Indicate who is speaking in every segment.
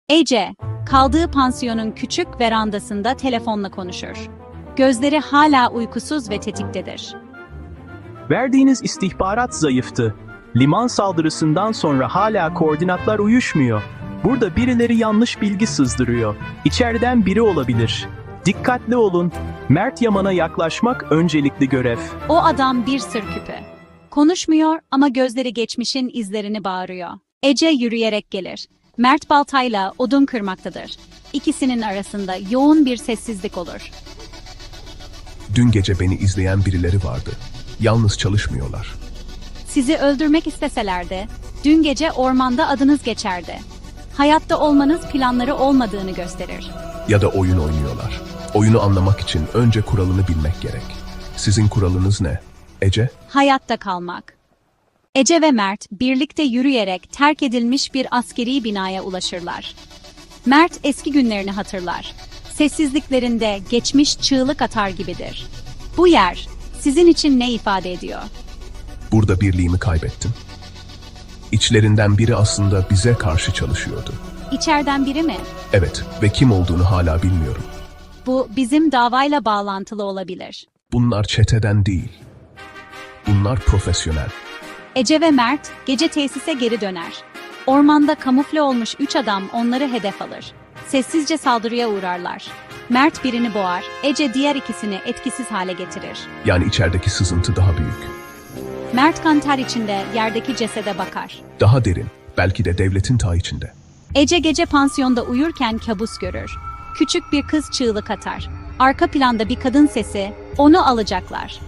Speaker 1: Ece, kaldığı pansiyonun küçük verandasında telefonla konuşur. Gözleri hala uykusuz ve tetiktedir.
Speaker 2: Verdiğiniz istihbarat zayıftı. Liman saldırısından sonra hala koordinatlar uyuşmuyor. Burada birileri yanlış bilgi sızdırıyor. İçeriden biri olabilir. Dikkatli olun. Mert Yaman'a yaklaşmak öncelikli görev.
Speaker 1: O adam bir sır küpü. Konuşmuyor ama gözleri geçmişin izlerini bağırıyor. Ece yürüyerek gelir. Mert baltayla odun kırmaktadır. İkisinin arasında yoğun bir sessizlik olur.
Speaker 3: Dün gece beni izleyen birileri vardı. Yalnız çalışmıyorlar.
Speaker 1: Sizi öldürmek isteselerdi, dün gece ormanda adınız geçerdi. Hayatta olmanız planları olmadığını gösterir.
Speaker 3: Ya da oyun oynuyorlar. Oyunu anlamak için önce kuralını bilmek gerek. Sizin kuralınız ne, Ece?
Speaker 1: Hayatta kalmak. Ece ve Mert birlikte yürüyerek terk edilmiş bir askeri binaya ulaşırlar. Mert eski günlerini hatırlar. Sessizliklerinde geçmiş çığlık atar gibidir. Bu yer sizin için ne ifade ediyor?
Speaker 3: Burada birliğimi kaybettim. İçlerinden biri aslında bize karşı çalışıyordu.
Speaker 1: İçeriden biri mi?
Speaker 3: Evet ve kim olduğunu hala bilmiyorum.
Speaker 1: Bu bizim davayla bağlantılı olabilir.
Speaker 3: Bunlar çeteden değil. Bunlar profesyonel.
Speaker 1: Ece ve Mert gece tesise geri döner. Ormanda kamufle olmuş 3 adam onları hedef alır. Sessizce saldırıya uğrarlar. Mert birini boğar, Ece diğer ikisini etkisiz hale getirir.
Speaker 3: Yani içerideki sızıntı daha büyük.
Speaker 1: Mert kan ter içinde yerdeki cesede bakar.
Speaker 3: Daha derin. Belki de devletin ta içinde.
Speaker 1: Ece gece pansiyonda uyurken kabus görür. Küçük bir kız çığlık atar. Arka planda bir kadın sesi, onu alacaklar.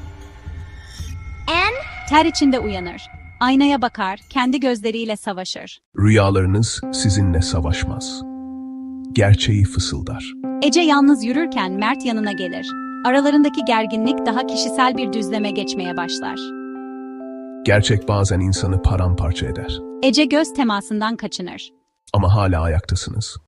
Speaker 1: Ter içinde uyanır. Aynaya bakar, kendi gözleriyle savaşır.
Speaker 3: Rüyalarınız sizinle savaşmaz. Gerçeği fısıldar.
Speaker 1: Ece yalnız yürürken Mert yanına gelir. Aralarındaki gerginlik daha kişisel bir düzleme geçmeye başlar.
Speaker 3: Gerçek bazen insanı paramparça eder.
Speaker 1: Ece göz temasından kaçınır.
Speaker 3: Ama hala ayaktasınız.